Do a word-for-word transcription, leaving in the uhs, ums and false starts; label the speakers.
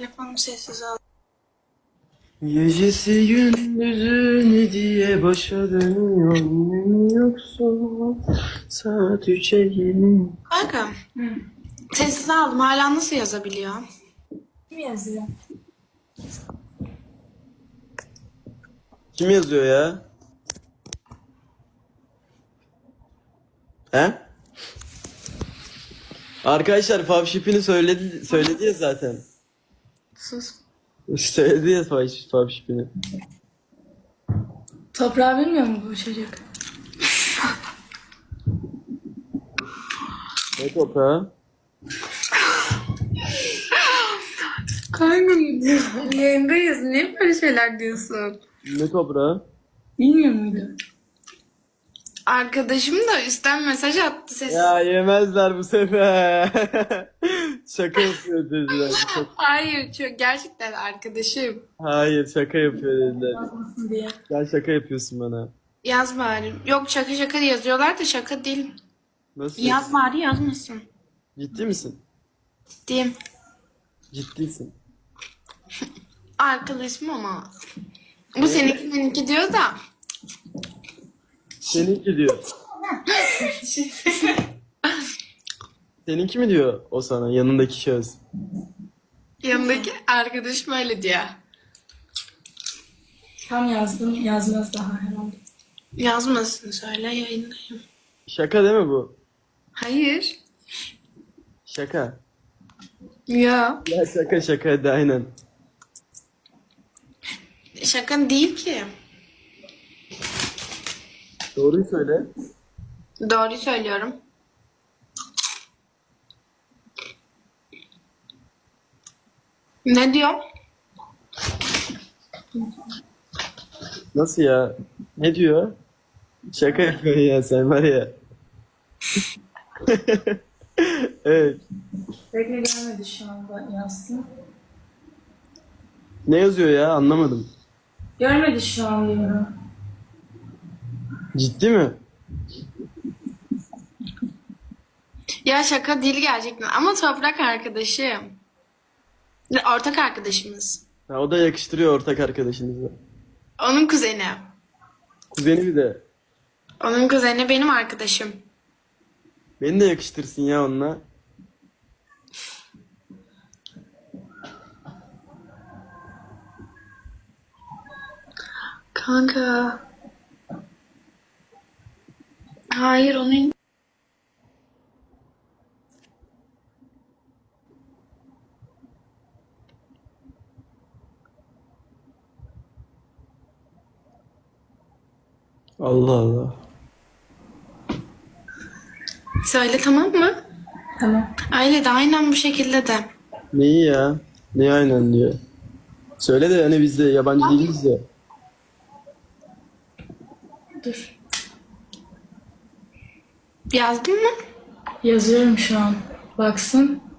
Speaker 1: Telefonu sessiz al.
Speaker 2: Gecesi gündüzü ne diye başa dönüyor mu yoksa saat üçe yeni.
Speaker 1: Kanka. Sessiz aldım. Hala nasıl yazabiliyor?
Speaker 3: Kim yazıyor?
Speaker 2: Kim yazıyor ya? He? Arkadaşlar Favşip'ini söyledi, söyledi ya zaten.
Speaker 1: Sus.
Speaker 2: Söyledi ya Fav- Favşip'ini.
Speaker 3: Toprağı bilmiyor mu bu çocuk?
Speaker 2: Ne toprağı?
Speaker 1: Kanka yayındayız. Niye böyle şeyler diyorsun?
Speaker 2: Ne toprağı?
Speaker 3: Bilmiyor muydu?
Speaker 1: Arkadaşım da üstten mesaj attı sessiz.
Speaker 2: Ya yemezler bu sefer. Şaka yapıyor dediler. Çok-
Speaker 1: Hayır çok gerçekten arkadaşım.
Speaker 2: Hayır şaka yapıyor dediler.
Speaker 3: Yazmasın diye.
Speaker 2: Sen şaka yapıyorsun bana.
Speaker 1: Yaz bari. Yok şaka şaka yazıyorlar da şaka değil.
Speaker 2: Nasıl?
Speaker 1: Yaz bari yazmasın.
Speaker 2: Ciddi misin?
Speaker 1: Diyeyim.
Speaker 2: Ciddisin.
Speaker 1: Arkadaşım ama. Bu seninki seninki diyor da.
Speaker 2: Seninki diyor. Seninki mi diyor o sana yanındaki şahıs?
Speaker 1: Yanındaki arkadaşım öyle diyor.
Speaker 3: Tam yazdım, yazmaz daha herhalde.
Speaker 1: Yazmasın söyle yayındayım.
Speaker 2: Şaka değil mi bu?
Speaker 1: Hayır.
Speaker 2: Şaka.
Speaker 1: Ya.
Speaker 2: Ya şaka şaka hadi aynen.
Speaker 1: Şaka değil ki.
Speaker 2: Doğruyu söyle.
Speaker 1: Doğruyu söylüyorum. Ne diyor?
Speaker 2: Nasıl ya? Ne diyor? Şaka yapıyor ya sen var ya. Evet.
Speaker 3: Bekle gelmedi şu anda yazsın.
Speaker 2: Ne yazıyor ya anlamadım.
Speaker 3: Görmedi şu an diyorum.
Speaker 2: Ciddi mi?
Speaker 1: Ya şaka değil gerçekten ama toprak arkadaşım. Ortak arkadaşımız.
Speaker 2: Ha, o da yakıştırıyor ortak arkadaşınıza.
Speaker 1: Onun kuzeni.
Speaker 2: Kuzeni bir de.
Speaker 1: Onun kuzeni benim arkadaşım.
Speaker 2: Beni de yakıştırsın ya onunla.
Speaker 1: Kanka. Hayır onun...
Speaker 2: Allah Allah.
Speaker 1: Söyle tamam mı?
Speaker 3: Tamam.
Speaker 1: Öyle de aynen bu şekilde de.
Speaker 2: Neyi ya? Neyi aynen diyor. Söyle de hani biz de yabancı değiliz ya.
Speaker 3: Dur.
Speaker 1: Yazdın mı?
Speaker 3: Yazıyorum şu an. Baksın.